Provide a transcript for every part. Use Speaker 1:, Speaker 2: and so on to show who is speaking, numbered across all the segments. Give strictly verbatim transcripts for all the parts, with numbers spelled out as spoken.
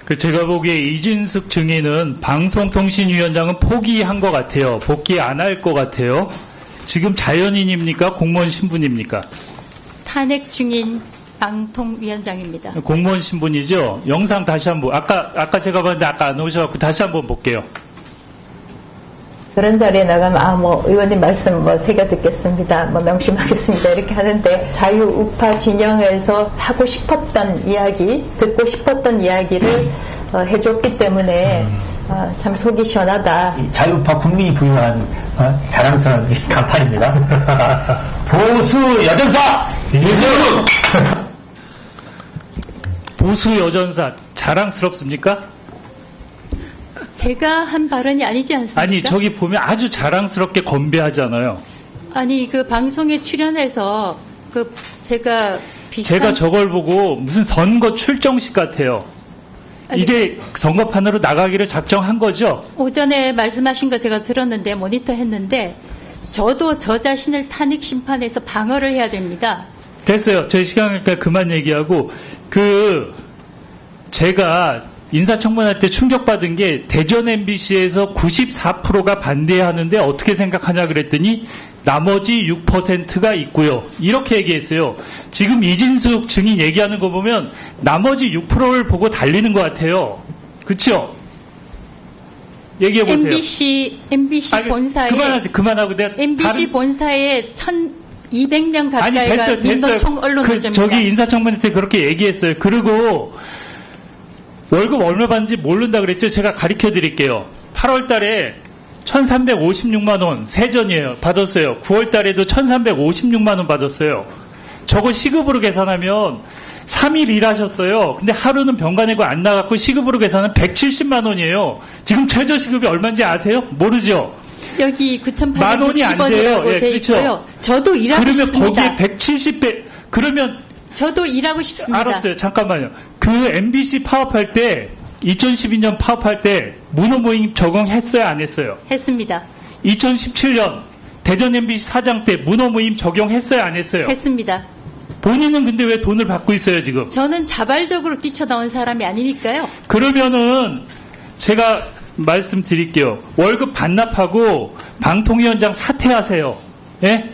Speaker 1: 그 제가 보기에 이진숙 증인은 방송통신위원장은 포기한 것 같아요. 복귀 안 할 것 같아요. 지금 자연인입니까? 공무원 신분입니까?
Speaker 2: 탄핵 중인 방통위원장입니다.
Speaker 1: 공무원 신분이죠. 영상 다시 한번 아까 아까 제가 봤는데 아까 안 오셔갖고 다시 한번 볼게요.
Speaker 3: 그런 자리에 나가면 아 뭐 의원님 말씀 뭐 새겨 듣겠습니다. 뭐 명심하겠습니다. 이렇게 하는데 자유우파 진영에서 하고 싶었던 이야기, 듣고 싶었던 이야기를 어, 해줬기 때문에 어, 참 속이 시원하다.
Speaker 4: 자유우파 국민이 부여한 어, 자랑스러운 간판입니다. 보수 여전사 이재명.
Speaker 1: 보수 여전사 자랑스럽습니까?
Speaker 2: 제가 한 발언이 아니지 않습니까?
Speaker 1: 아니 저기 보면 아주 자랑스럽게 건배하잖아요.
Speaker 2: 아니 그 방송에 출연해서 그 제가 비슷한
Speaker 1: 제가 저걸 보고 무슨 선거 출정식 같아요.
Speaker 2: 아니,
Speaker 1: 이제 선거판으로 나가기를 작정한 거죠?
Speaker 2: 오전에 말씀하신 거 제가 들었는데 모니터 했는데 저도 저 자신을 탄핵 심판에서 방어를 해야 됩니다.
Speaker 1: 됐어요. 제 시간이니까 그만 얘기하고 그 제가 인사청문회 때 충격받은 게 대전 엠비씨에서 구십사 퍼센트가 반대하는데 어떻게 생각하냐 그랬더니 나머지 육 퍼센트가 있고요. 이렇게 얘기했어요. 지금 이진숙 증인 얘기하는 거 보면 나머지 육 퍼센트를 보고 달리는 것 같아요. 그렇죠? 얘기해 보세요.
Speaker 2: 엠비씨 엠비씨
Speaker 1: 아니,
Speaker 2: 본사에
Speaker 1: 그만하세요. 그만하고 내가
Speaker 2: 엠비씨
Speaker 1: 다른...
Speaker 2: 본사에 천이백 명
Speaker 1: 아니
Speaker 2: 가까이가
Speaker 1: 됐어요. 됐어요.
Speaker 2: 민노총 언론노조입니다.
Speaker 1: 그, 저기 인사청문회 때 그렇게 얘기했어요. 그리고 월급 얼마 받는지 모른다 그랬죠? 제가 가르쳐 드릴게요. 팔월 달에 천삼백오십육만 원 세전이에요. 받았어요. 구월 달에도 천삼백오십육만 원 받았어요. 저거 시급으로 계산하면 삼 일 일하셨어요. 근데 하루는 병가 내고 안 나갔고 시급으로 계산하면 백칠십만 원이에요. 지금 최저시급이 얼마인지 아세요? 모르죠?
Speaker 2: 여기
Speaker 1: 만 원이 안 돼요.
Speaker 2: 구천팔백육십 원이라고
Speaker 1: 예,
Speaker 2: 돼
Speaker 1: 그렇죠.
Speaker 2: 있고요. 저도 일하고
Speaker 1: 그러면
Speaker 2: 싶습니다.
Speaker 1: 거기에 백칠십 배 그러면
Speaker 2: 저도 일하고 싶습니다.
Speaker 1: 알았어요. 잠깐만요. 그 엠비씨 파업할 때 이천십이 년 파업할 때 문호모임 적용했어요? 안 했어요?
Speaker 2: 했습니다.
Speaker 1: 이천십칠 년 대전 엠비씨 사장 때 문호모임 적용했어요? 안 했어요?
Speaker 2: 했습니다.
Speaker 1: 본인은 근데 왜 돈을 받고 있어요 지금?
Speaker 2: 저는 자발적으로 뛰쳐나온 사람이 아니니까요.
Speaker 1: 그러면은 제가 말씀드릴게요. 월급 반납하고 방통위원장 사퇴하세요. 예?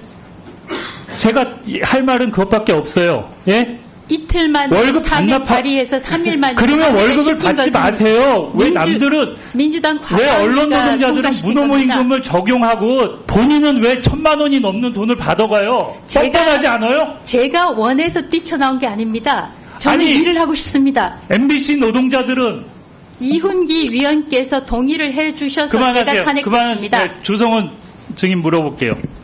Speaker 1: 제가 할 말은 그것밖에 없어요. 예?
Speaker 2: 이틀 만에
Speaker 1: 월급
Speaker 2: 탄핵
Speaker 1: 반납하-
Speaker 2: 발의해서 삼 일 만에
Speaker 1: 그러면
Speaker 2: 탄핵을
Speaker 1: 월급을
Speaker 2: 시킨
Speaker 1: 받지
Speaker 2: 것은
Speaker 1: 마세요. 왜
Speaker 2: 민주-
Speaker 1: 남들은
Speaker 2: 민주당
Speaker 1: 왜 언론
Speaker 2: 과반위가
Speaker 1: 노동자들은
Speaker 2: 통과시킨
Speaker 1: 문호모임금을
Speaker 2: 겁니다.
Speaker 1: 적용하고 본인은 왜 천만 원이 넘는 돈을 받아가요?
Speaker 2: 제가-
Speaker 1: 뻔뻔하지 않아요?
Speaker 2: 제가 원해서 뛰쳐나온 게 아닙니다. 저는
Speaker 1: 아니,
Speaker 2: 일을 하고 싶습니다.
Speaker 1: 엠비씨 노동자들은
Speaker 2: 이훈기 위원께서 동의를 해주셔서 제가
Speaker 1: 그만하세요.
Speaker 2: 탄핵됐습니다.
Speaker 1: 그만하세요. 조성원 증인 물어볼게요.